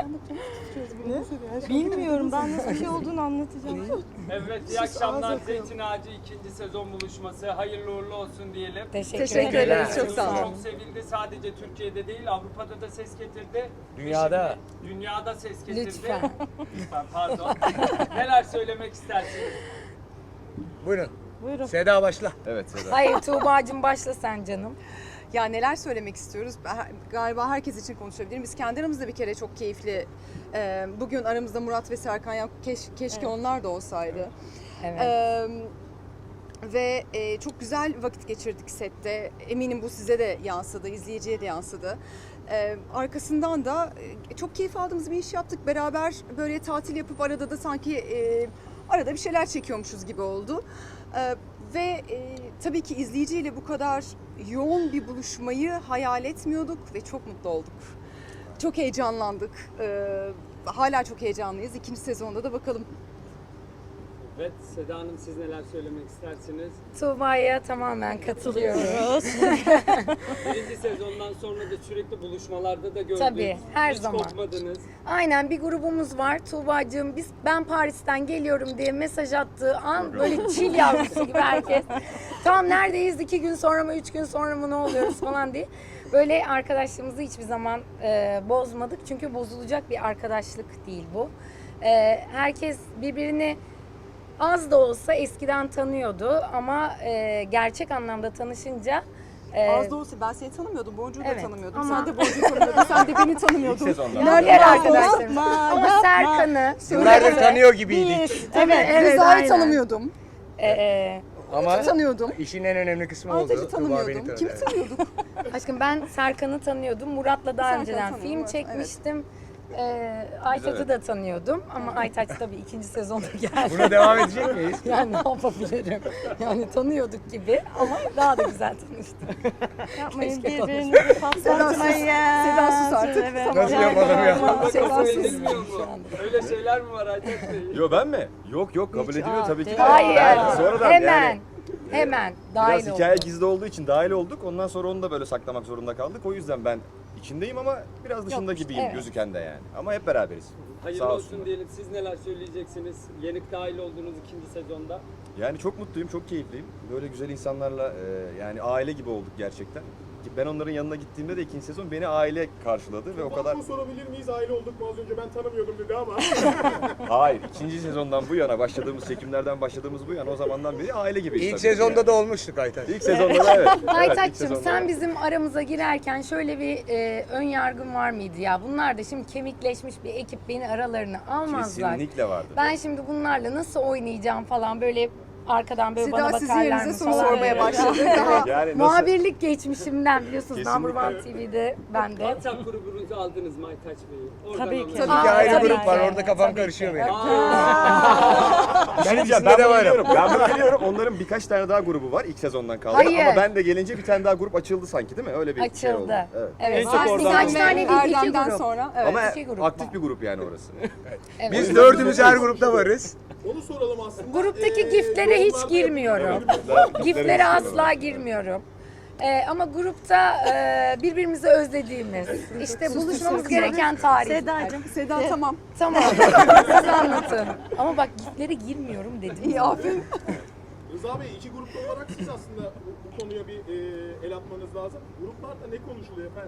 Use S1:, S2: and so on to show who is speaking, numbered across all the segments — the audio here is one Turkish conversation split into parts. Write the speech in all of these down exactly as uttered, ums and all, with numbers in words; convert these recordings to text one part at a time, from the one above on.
S1: Bilmiyorum, ben nasıl bir şey olduğunu anlatacağım.
S2: Evet, iyi akşamlar. Zeytin Ağacı ikinci sezon buluşması. Hayırlı uğurlu olsun diyelim.
S3: Teşekkür,
S4: Teşekkür
S3: ederim.
S4: ederiz. Çok sağ olun.
S2: Çok sevildi. Sadece Türkiye'de değil, Avrupa'da da ses getirdi.
S5: Dünyada.
S2: Ve şimdi dünyada ses getirdi.
S3: Lütfen.
S2: Lütfen, pardon. Neler söylemek istersiniz?
S5: Buyurun.
S1: Buyurun.
S5: Seda başla.
S6: Evet Seda.
S3: Hayır Tuğba'cığım başla sen canım.
S4: Ya neler söylemek istiyoruz? Ben- Galiba herkes için konuşabilirim. Biz kendi aramızda bir kere çok keyifli. e, Bugün aramızda Murat ve Serkan ya keş- keşke
S1: Evet.
S4: onlar da olsaydı.
S3: Evet.
S4: E, Ve e, çok güzel vakit geçirdik sette. Eminim bu size de yansıdı, izleyiciye de yansıdı. E, arkasından da e, çok keyif aldığımız bir iş yaptık. Beraber böyle tatil yapıp arada da sanki e, arada bir şeyler çekiyormuşuz gibi oldu. E, ve e, tabii ki izleyiciyle bu kadar yoğun bir buluşmayı hayal etmiyorduk ve çok mutlu olduk. Çok heyecanlandık. E, hala çok heyecanlıyız. İkinci sezonda da bakalım.
S2: Evet, Seda Hanım siz neler söylemek istersiniz?
S3: Tuğba'ya tamamen katılıyorum.
S2: Birinci sezondan sonra da sürekli buluşmalarda da gördük.
S3: Tabii, her
S2: Hiç
S3: zaman.
S2: kopmadınız.
S3: Aynen bir grubumuz var. Tuğba'cığım biz ben Paris'ten geliyorum diye mesaj attığı an böyle çil yavrusu gibi herkes. Tamam neredeyiz? İki gün sonra mı, üç gün sonra mı ne oluyoruz falan diye. Böyle arkadaşlığımızı hiçbir zaman e, bozmadık. Çünkü bozulacak bir arkadaşlık değil bu. E, herkes birbirini az da olsa eskiden tanıyordu ama e, gerçek anlamda tanışınca e,
S4: Az da olsa ben seni tanımıyordum, Boncuğu da
S3: Evet,
S4: tanımıyordum.
S3: ama-
S4: Sen de Boncuğu tanımıyordun, sen de beni tanımıyordun.
S6: İlk sezonda.
S4: Nerede
S3: diğer
S4: az da olsa-
S3: arkadaşlarım. Ama Serkan'ı
S5: Yıllardır tanıyor gibiydik.
S4: Evet,
S3: Evet,
S4: Rıza'yı
S3: aynen.
S4: tanımıyordum.
S3: e, e,
S5: Ama
S4: Tanıyordum.
S5: işin en önemli kısmı oldu.
S4: Aytaç'ı
S5: Tuğba beni
S4: tanımıyordum.
S5: tanıdı.
S4: Kimi
S5: Evet.
S4: tanıyorduk?
S3: aşkım ben Serkan'ı tanıyordum. Murat'la daha
S4: Serkan'ı
S3: önceden
S4: tanıyorum,
S3: film
S4: evet,
S3: çekmiştim. E, Aytaç'ı da tanıyordum ama Aytaç tabii ikinci sezonda geldi.
S5: Buna devam edecek miyiz?
S3: Yani ne yapabilirim? Yani tanıyorduk gibi ama daha da güzel tanıştık.
S1: Yapmayın,
S3: Keşke
S1: birbirinizi patlatmayın.
S4: Seda sus artık.
S1: Evet.
S4: Tamam.
S5: Nasıl yapalım ya?
S2: Burada
S4: Seda
S2: kabul
S4: sus.
S2: edilmiyor mu? Öyle şeyler mi var Aytaç Bey?
S6: Yo ben mi? Yok yok kabul
S1: Hiç,
S6: ediliyor
S1: aa,
S6: tabii ki. de.
S3: Hayır.
S6: Ben sonradan
S3: Hemen.
S6: yani
S3: Hemen.
S6: biraz
S3: Dahil
S6: hikaye
S3: oldum.
S6: gizli olduğu için dahil olduk. Ondan sonra onu da böyle saklamak zorunda kaldık. O yüzden ben içindeyim ama biraz dışında
S3: Yok,
S6: gibiyim
S3: evet.
S6: gözüken de yani. Ama hep beraberiz.
S2: Hayırlı
S6: Sağ
S2: olsun
S6: olsunlar.
S2: diyelim. Siz neler söyleyeceksiniz? Yenik dahil olduğunuz ikinci sezonda.
S6: Yani çok mutluyum, çok keyifliyim. Böyle güzel insanlarla e, yani aile gibi olduk gerçekten. Ki ben onların yanına gittiğimde de ikinci sezon beni aile karşıladı ve o kadar...
S7: sorabilir miyiz? Aile olduk mu? Az önce ben tanımıyordum dedi ama.
S6: Hayır, ikinci sezondan bu yana başladığımız çekimlerden başladığımız bu yana o zamandan beri aile gibiyiz.
S5: İlk
S6: tabii ki
S5: sezonda
S6: yani.
S5: da olmuştuk Aytaç.
S6: İlk sezonda da evet. Evet, ilk
S3: Aytaç'cığım
S6: sezonda
S3: sen
S6: da.
S3: bizim aramıza girerken şöyle bir e, ön yargın var mıydı ya? Bunlar da şimdi kemikleşmiş bir ekip beni aralarına almazlar.
S6: Kesinlikle vardı.
S3: Ben şimdi bunlarla nasıl oynayacağım falan böyle arkadan böyle bana
S4: Seda sizin
S3: bakarlar
S4: yerinize
S3: mı
S4: soru
S3: falan.
S4: sormaya başladı. Daha
S6: Yani nasıl?
S3: Muhabirlik geçmişimden biliyorsunuz
S6: Kesinlikle.
S3: Number One T V'de ben de.
S2: WhatsApp grubunuzu aldınız mı Aytaç Bey'i? Oradan
S1: Tabii ki.
S2: anlatın.
S4: Tabii
S5: İki
S3: Aa,
S5: ayrı
S3: tabii
S5: grup
S3: ki.
S5: var orada kafam
S3: Tabii
S5: karışıyor
S3: ki.
S5: benim.
S6: Bir şey diyeceğim,
S5: ikisinde
S6: ben
S5: de
S6: bunu
S5: varım.
S6: biliyorum. Ben bunu biliyorum. Onların birkaç tane daha grubu var ilk sezondan kaldı.
S3: Hayır.
S6: Ama ben de gelince bir tane daha grup açıldı sanki değil mi? Öyle bir şey oldu.
S3: Açıldı.
S6: Evet.
S3: Evet.
S2: En çok
S3: Var,
S2: oradan
S3: birkaç
S2: aldım.
S3: tane değil iki
S4: Erdem'den
S3: grup.
S4: sonra. Evet.
S6: Ama
S3: iki grup
S6: aktif
S3: var.
S6: bir grup yani orası.
S3: Evet.
S5: Biz dördümüz her grupta varız.
S7: Onu soralım aslında.
S3: Gruptaki
S7: Ee,
S3: giftlere hiç
S7: yorumlarda
S3: girmiyorum. Giftlere asla girmiyorum. Ee, ama grupta e, birbirimizi özlediğimiz, işte buluşmamız gereken tarih.
S1: Sedacığım.
S4: Seda tamam.
S3: Tamam, siz anlatın. Ama bak giftlere girmiyorum dedim.
S4: İyi aferin.
S7: Rıza Bey iki grupta olarak siz aslında bu, bu konuya bir e, el atmanız lazım. Gruplarda ne konuşuluyor efendim?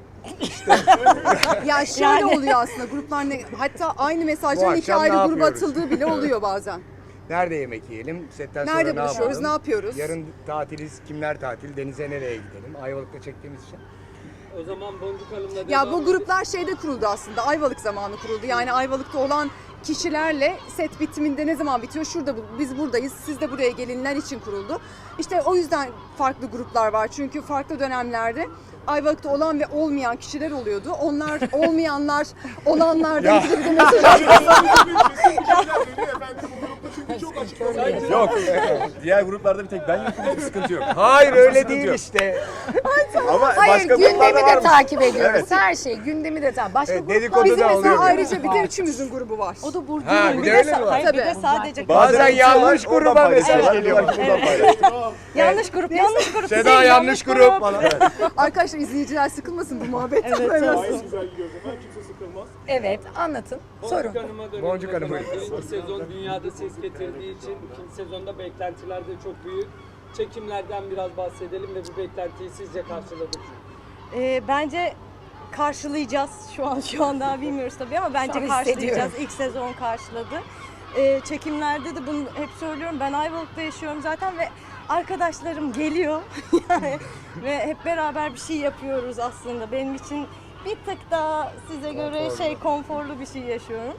S4: Ya şöyle
S1: Yani-
S4: oluyor aslında gruplar ne, hatta aynı
S5: Bu
S4: mesajların iki
S5: akşam ne
S4: ayrı gruba
S5: yapıyoruz?
S4: atıldığı bile oluyor bazen.
S5: Nerede yemek yiyelim? Setten sonra
S4: Nerede
S5: ne
S4: buluşuyoruz,
S5: yapalım?
S4: ne yapıyoruz?
S5: Yarın tatiliz, kimler tatil, denize nereye gidelim? Ayvalık'ta çektiğimiz için.
S2: O zaman Boncuk Hanım'la
S4: Ya
S2: devam
S4: bu gruplar şeyde kuruldu aslında, Ayvalık zamanı kuruldu. Yani Ayvalık'ta olan kişilerle set bitiminde ne zaman bitiyor? Şurada bu- biz buradayız, siz de buraya gelinler için kuruldu. İşte o yüzden farklı gruplar var. Çünkü farklı dönemlerde Ayvalık'ta olan ve olmayan kişiler oluyordu. Onlar olmayanlar, olanlardan
S5: Ya.
S4: bize bir de mesaj atıyor.
S7: Kesin bir şeyler dönüyor efendim. Bu grupta çünkü çok açık.
S6: Yok. Diğer gruplarda bir tek ben yokum. Bir sıkıntı yok.
S5: Hayır öyle
S6: Sıkıntı
S5: değil
S6: yok.
S5: işte.
S6: Ama
S3: Hayır,
S6: başka
S3: gündemi
S6: gruplarda
S3: de
S6: varmış.
S3: takip ediyoruz.
S6: Evet.
S3: Her şey, gündemi de takip. Başka
S5: Evet,
S3: gruplar
S5: dedikodu
S4: Bizim
S5: da
S4: mesela
S5: oluyor.
S4: ayrıca bir de üçümüzün grubu var.
S1: O da Burcu'nun.
S5: Ha, bir de öyle mi var?
S1: Hayır, bir de
S4: Tabii.
S1: sadece
S5: Bazen
S6: bir şey
S5: yanlış
S6: var, oradan
S5: gruba mesaj
S6: paylaşıyorlar,
S5: geliyor.
S6: diyorlar ki buradan paylaştık.
S1: yanlış grup, yanlış grup.
S5: Seda
S1: Şey,
S5: yanlış grup falan.
S4: Arkadaşlar izleyiciler sıkılmasın bu muhabbet.
S1: Evet,
S4: Böyle
S1: evet.
S4: olsun.
S7: Gayet güzel gidiyoruz efendim. Kimse sıkılmasın. inanılmaz.
S3: Evet, anlatın. Sorun.
S2: Boncuk Hanım'a dönelim.
S5: Boncuk
S2: o zaman.
S5: Hanım'a.
S2: Birinci sezon dünyada ses getirdiği için ikinci sezonda beklentiler de çok büyük. Çekimlerden biraz bahsedelim ve bu beklentiyi sizce karşıladık mı?
S1: Ee, bence karşılayacağız. Şu an şu an daha bilmiyoruz tabii ama bence
S3: an
S1: karşılayacağız.
S3: hissediyorum.
S1: İlk sezon karşıladı. Ee, çekimlerde de bunu hep söylüyorum. Ben Ayvalık'ta yaşıyorum zaten ve arkadaşlarım geliyor. Yani ve hep beraber bir şey yapıyoruz aslında. Benim için bir tık daha size göre
S5: Konforlu.
S1: şey konforlu bir şey yaşıyorum.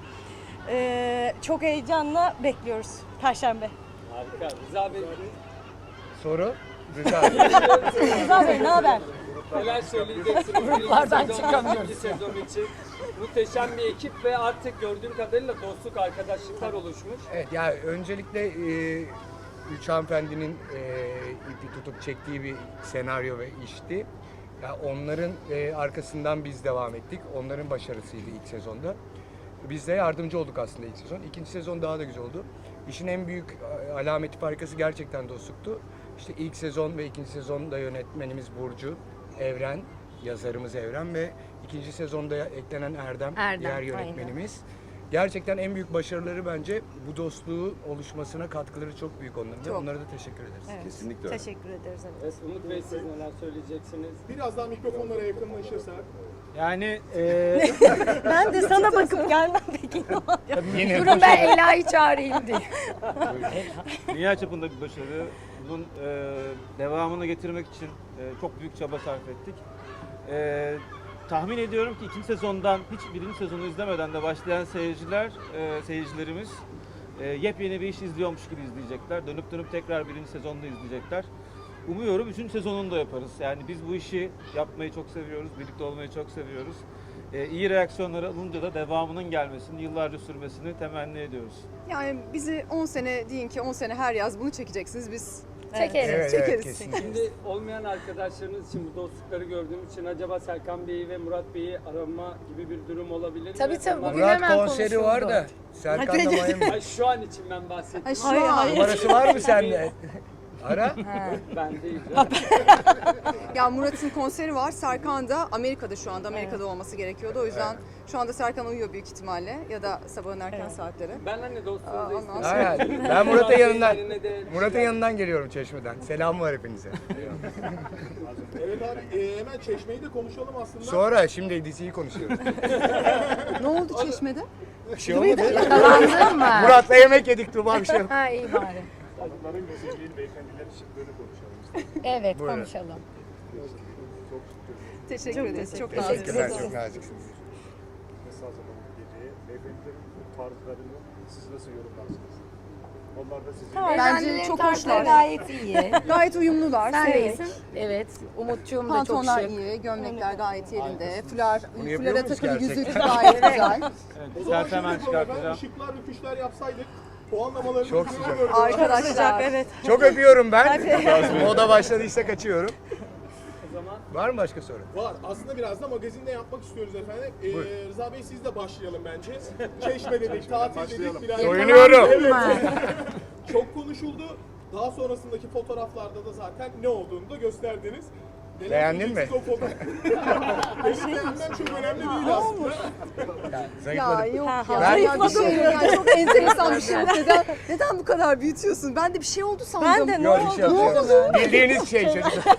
S1: Ee, çok heyecanla bekliyoruz Perşembe.
S2: Harika. Rıza Bey,
S5: Soru? Rıza abi.
S1: Rıza Bey ne haber?
S2: neler söyleyeceksiniz?
S3: Gruplardan
S2: Birinci sezon,
S3: çıkamıyoruz.
S2: ikinci sezon için muhteşem bir ekip ve artık gördüğüm kadarıyla dostluk, arkadaşlıklar oluşmuş.
S5: Evet ya öncelikle e, üç hanımefendinin e, ipi tutup çektiği bir senaryo ve işti. Ya onların e, arkasından biz devam ettik. Onların başarısıydı ilk sezonda. Biz de yardımcı olduk aslında ilk sezon. İkinci sezon daha da güzel oldu. İşin en büyük e, alameti farkası gerçekten dostluktu. İşte ilk sezon ve ikinci sezonda yönetmenimiz Burcu, Evren, yazarımız Evren ve ikinci sezonda eklenen Erdem,
S3: Erdem,
S5: diğer
S3: aynen.
S5: yönetmenimiz. Gerçekten en büyük başarıları bence bu dostluğu oluşmasına katkıları çok büyük onların. ve
S4: Çok.
S5: Onlara da teşekkür ederiz.
S1: Evet.
S6: Kesinlikle öyle.
S1: Teşekkür ederiz. Evet.
S2: Evet, Umut Bey, siz neler söyleyeceksiniz?
S7: Biraz daha mikrofonlara yakınlaşırsak.
S8: Yani e,
S1: Ben de sana bakıp gelmem peki.
S5: Yine
S3: Durun ben Ela'yı çağırayım diye.
S8: dünya çapında bir başarı. Bunun e, devamını getirmek için e, çok büyük çaba sarf ettik. E, tahmin ediyorum ki ikinci sezondan hiç birinci sezonu izlemeden de başlayan seyirciler, e, seyircilerimiz e, yepyeni bir iş izliyormuş gibi izleyecekler. Dönüp dönüp tekrar birinci sezonda izleyecekler. Umuyorum üçüncü sezonunu da yaparız. Yani biz bu işi yapmayı çok seviyoruz, birlikte olmayı çok seviyoruz. E, iyi reaksiyonlar alınca da devamının gelmesini, yıllarca sürmesini temenni ediyoruz.
S4: Yani bizi on sene deyin ki on sene her yaz bunu çekeceksiniz biz.
S3: Çekeriz.
S5: Evet, evet,
S4: Çekeriz.
S5: kesinlikle.
S2: Şimdi olmayan arkadaşlarınız için bu dostlukları gördüğüm için acaba Serkan Bey'i ve Murat Bey'i arama gibi bir durum olabilir mi?
S3: Tabii, tabii.
S2: Onlar-
S3: Bugün
S5: Murat
S3: hemen
S5: konseri var da
S3: konuşuldu.
S5: Serkan da Miami.
S2: Ay, şu an için ben bahsettim.
S4: Ay, şu
S1: Hayır,
S4: an.
S1: hayır.
S5: Numarası var mı sende? Ara.
S2: Ben değil.
S4: Ya Murat'ın konseri var. Serkan da Amerika'da şu anda. Amerika'da olması gerekiyordu. O yüzden şu anda Serkan uyuyor büyük ihtimalle. Ya da sabahın erken saatleri.
S2: Ben hani
S4: Aa,
S2: dostluğunuzu
S4: ondan
S2: istedim.
S4: sonra-
S5: Aynen. Ben Murat'ın yanından
S2: Yerine de-
S5: Murat'ın yanından geliyorum Çeşme'den. Selam var hepinize.
S7: Evet abi e, hemen Çeşme'yi de konuşalım aslında.
S5: Sonra şimdi diziyi konuşuyoruz.
S4: Ne oldu Çeşme'de?
S5: Bir şey olmadı.
S3: Yakalandın mı?
S5: Murat'la yemek yedik Tuğba bir şey yok.
S3: Ha iyi bari.
S7: Kadınların güzelliğini, beyefendilerin şıklığını konuşalım istedim.
S3: Evet
S5: Buyurun.
S3: konuşalım.
S7: Çok
S4: Teşekkür ederiz. Çok
S5: Teşekkürler,
S4: naziksiniz.
S5: çok naziksiniz.
S7: mesaj hazırlanan geceye. Beyefendilerin tarzlarını siz nasıl yorumlarsınız? Onlar da sizin.
S4: Bence
S3: Beyefendilerin
S4: çok
S3: tarzları
S4: hoşlar.
S3: gayet iyi.
S4: Gayet uyumlular.
S3: Sen
S4: sevdik.
S3: iyisin. Evet. Umutçuğum da çok
S4: Pantolonlar
S3: şık.
S4: iyi, gömlekler gayet yerinde. Fular,
S5: Bunu yapıyor
S4: fulara
S5: muyuz
S4: takılı
S5: gerçekten?
S4: yüzük gayet güzel.
S8: Evet,
S7: O zaman
S8: istersen hemen
S7: şöyle yapalım efendim.
S8: çıkartacağım.
S7: Işıklar ve fişler yapsaydık puanlamalarını
S5: Çok
S7: şuraya
S5: sıcak.
S7: gördük.
S4: Arkadaşlar.
S1: Evet.
S5: Çok öpüyorum ben. Moda başladıysa kaçıyorum.
S2: O zaman
S5: Var mı başka soru?
S7: Var. Aslında biraz da magazinde yapmak istiyoruz efendim. Ee,
S5: Buyur.
S7: Rıza Bey siz de başlayalım bence. Çeşme dedik, tatil dedik. Biraz
S5: Soyunuyorum.
S7: Çok konuşuldu. Daha sonrasındaki fotoğraflarda da zaten ne olduğunu da gösterdiniz. Neler
S5: Beğendin mi?
S7: söyleyeceksiniz o fotoğraf- Benim beğenmem çok önemli değil aslında.
S4: Ya
S5: Zayıfladım.
S4: yok
S1: Ha,
S4: ya.
S5: ben-
S4: Ben bir şey yani çok enteresan bir şey yok. Neden, neden bu kadar büyütüyorsun? Ben de bir şey oldu sandım.
S1: Ben de ne
S5: Yok
S1: oldu?
S5: bir şey yok. Bildiğiniz şey çocuklar.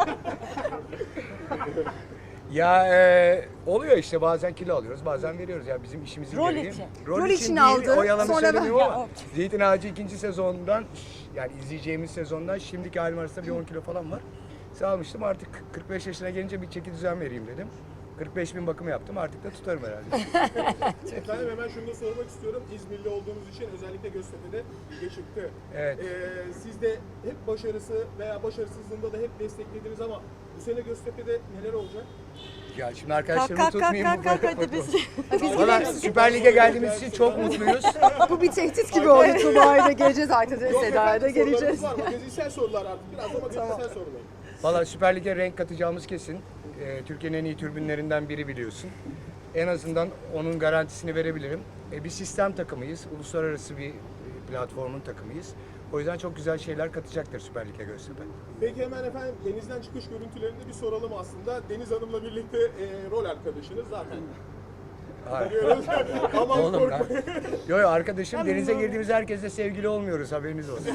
S5: Ya e, oluyor işte bazen kilo alıyoruz bazen veriyoruz ya bizim işimizin
S1: Rol
S5: gereği.
S1: için.
S4: Rol için
S5: değil,
S4: aldı,
S5: o yalanı
S4: sonra ben-
S5: söylemiyorum
S1: Ya,
S5: ama
S1: o-
S5: Zeytin Ağacı ikinci sezondan yani izleyeceğimiz sezondan şimdiki halim arasında bir on kilo falan var. Sağlamıştım artık kırk beş yaşına gelince bir çeki düzen vereyim dedim. kırk beş bin bakım yaptım artık da tutarım herhalde.
S7: Efendim hemen şunu da sormak istiyorum. İzmirli olduğumuz için özellikle Göztepe'de ilgi çıktı.
S5: Evet.
S7: Ee, siz de hep başarısı veya başarısızlığında da hep desteklediniz ama bu sene Göztepe'de neler olacak?
S5: Ya şimdi
S1: Kalk
S5: arkadaşlarımı
S1: kalk kalk
S5: tutmayayım.
S1: kalk kalk hadi biz.
S5: Valla Süper Lig'e geldiğimiz için çok mutluyuz.
S4: Bu bir tehdit gibi oldu. Tuba'ya da geleceğiz artık.
S7: Yok
S4: Seda'ya da
S7: efendim,
S4: geleceğiz.
S7: sorularımız var. Magazinsel sorular artık. Biraz da magazinsel sorular.
S5: Valla Süper Lig'e renk katacağımız kesin. Ee, Türkiye'nin en iyi türbünlerinden biri biliyorsun. En azından onun garantisini verebilirim. E, bir sistem takımıyız. Uluslararası bir e, platformun takımıyız. O yüzden çok güzel şeyler katacaktır Süper Lig'e Göztepe.
S7: Peki hemen efendim denizden çıkış görüntülerini bir soralım aslında. Deniz Hanım'la birlikte e, rol arkadaşınız zaten.
S5: Hayır.
S7: diyoruz. Aman
S5: Oğlum lan.
S7: korkmayın.
S5: Yo yo arkadaşım denize girdiğimiz herkesle sevgili olmuyoruz haberiniz olsun.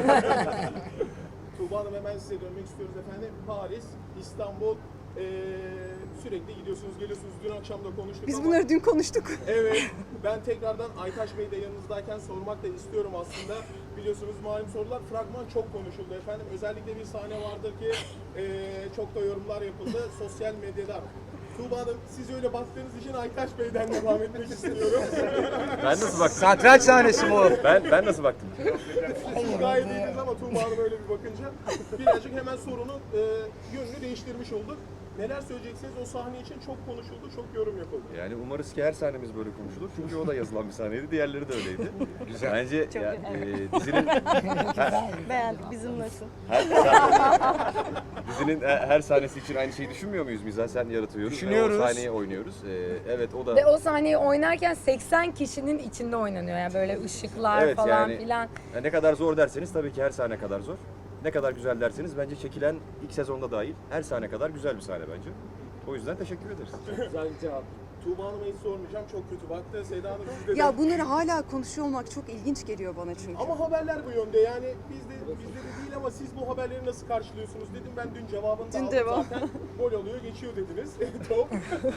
S7: Tuğba Hanım hemen size dönmek istiyoruz efendim. Paris, İstanbul, eee, sürekli gidiyorsunuz, geliyorsunuz. Dün akşam da konuştuk
S4: Biz
S7: ama...
S4: bunları dün konuştuk.
S7: Evet, ben tekrardan Aytaş Bey de yanınızdayken sormak da istiyorum aslında. Biliyorsunuz malum sorular, fragman çok konuşuldu efendim. Özellikle bir sahne vardır ki eee, çok da yorumlar yapıldı sosyal medyada. Tuğba Hanım, siz öyle baktığınız için Aytaş Bey'den devam etmek istiyorum.
S6: Ben nasıl baktım?
S5: Satranç sahnesi mi o?
S6: Ben ben nasıl baktım?
S7: Siz gayet iyiydiniz ama Tuğba Hanım öyle bir bakınca birazcık hemen sorunun eee, yönünü değiştirmiş olduk. Neler söyleyeceksiniz? O sahne için çok konuşuldu, çok yorum yapıldı.
S6: Yani umarız ki her sahnemiz böyle konuşulur. Çünkü o da yazılan bir sahneydi, diğerleri de öyleydi.
S5: Güzel.
S6: Bence ya, e, dizinin
S1: Beğendik. Bizim nasıl?
S6: her, sahne- dizinin e, her sahnesi için aynı şeyi düşünmüyor muyuz? Mizansen yaratıyoruz
S5: Düşünüyoruz.
S6: ve o sahneyi oynuyoruz. E, evet o da
S3: Ve o sahneyi oynarken seksen kişinin içinde oynanıyor. Yani böyle ışıklar
S6: Evet,
S3: falan
S6: yani-
S3: filan.
S6: ya ne kadar zor derseniz tabii ki her sahne kadar zor. Ne kadar güzel derseniz bence çekilen ilk sezonda dahil her sahne kadar güzel bir sahne bence. O yüzden teşekkür ederiz.
S2: Güzel bir cevap.
S7: Tuğba Hanım'a hiç sormayacağım, çok kötü baktı. Seda Hanım sizde de...
S4: Ya bunları hala konuşuyor olmak çok ilginç geliyor bana çünkü.
S7: Ama haberler bu yönde yani bizde bizde de değil ama siz bu haberleri nasıl karşılıyorsunuz dedim. Ben dün cevabını da
S4: Dün
S7: aldım
S4: cevap.
S7: zaten. Gol oluyor geçiyor dediniz. Top.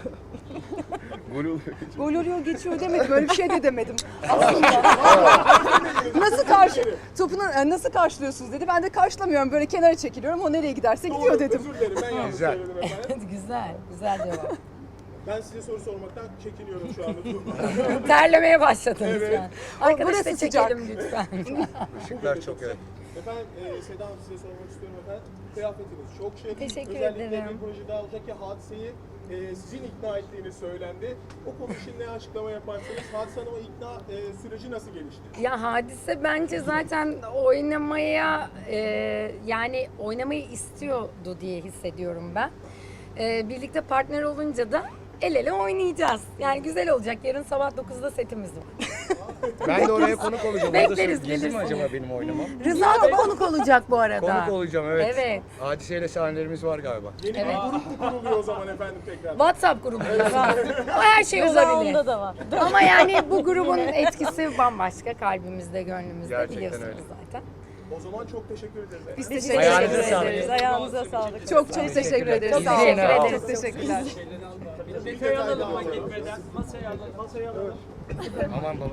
S6: Gol oluyor.
S4: Gol oluyor geçiyor demedim. Böyle bir şey de demedim. Aslında. nasıl karşı topunu e, nasıl karşılıyorsunuz dedi. Ben de karşılamıyorum. Böyle kenara çekiliyorum. O nereye giderse gidiyor
S7: Doğru,
S4: dedim.
S7: özür dilerim ben yanlış
S5: Güzel.
S7: söyledim efendim.
S3: Güzel, güzel cevap.
S7: Ben size soru sormaktan çekiniyorum şu anda Tuğba.
S3: Terlemeye başladınız
S7: Evet.
S3: yani. Arkadaş
S4: burası
S3: da
S4: sıcak.
S3: çekelim lütfen.
S5: Işıklar çok evet.
S7: Efendim e, Seda Hanım size sormak istiyorum efendim. Kıyafetiniz çok şık.
S3: Teşekkür
S7: Özellikle
S3: ederim.
S7: bir projede alacak ki Hadise'yi e, sizin ikna ettiğiniz söylendi. O konu için ne açıklama yaparsınız? Hadise Hanım'a ikna e, süreci nasıl gelişti?
S3: Ya Hadise bence zaten oynamaya e, yani oynamayı istiyordu diye hissediyorum ben. E, birlikte partner olunca da el ele oynayacağız. Yani güzel olacak. Yarın sabah dokuzda setimiz var.
S5: Ben de oraya konuk olacağım. Orada
S3: Bekleriz,
S5: sürpriz mi
S3: gelirsin.
S5: acaba benim oynamam?
S3: Rıza da konuk olacak bu arada.
S5: Konuk olacağım evet.
S3: Evet.
S5: Hadiseyle sahnelerimiz var galiba.
S7: Yeni
S3: Evet.
S7: bir grup mu kuruluyor o zaman efendim tekrar?
S3: WhatsApp grubu. O her şey
S1: Rıza
S3: olabilir.
S1: onda da var.
S3: Ama yani bu grubun etkisi bambaşka. Kalbimizde, gönlümüzde
S5: Gerçekten
S3: biliyorsunuz
S5: öyle.
S3: zaten.
S7: O zaman çok teşekkür ederiz.
S4: Biz
S1: Biz
S4: teşekkür
S5: Ayağınıza
S4: ederiz.
S5: sağlık.
S1: Ayağınıza sağlık.
S4: Çok çok teşekkür ederiz.
S3: Çok
S4: Sağ olun.
S3: teşekkür ederiz.
S4: Çok teşekkürler.
S2: Masaya alalım ama gitmeden. Masaya alalım. Masaya alalım.
S5: Aman baba.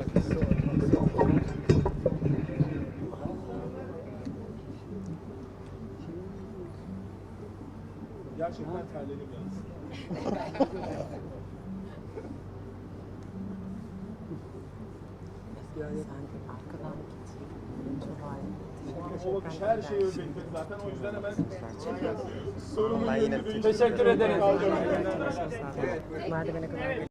S7: Gerçekten terledim yalnız. O bakış her şeyi özetledi zaten. O yüzden hemen sorumun yönünü değiştirdim.
S2: Teşekkür ederiz.
S7: Kalacağım.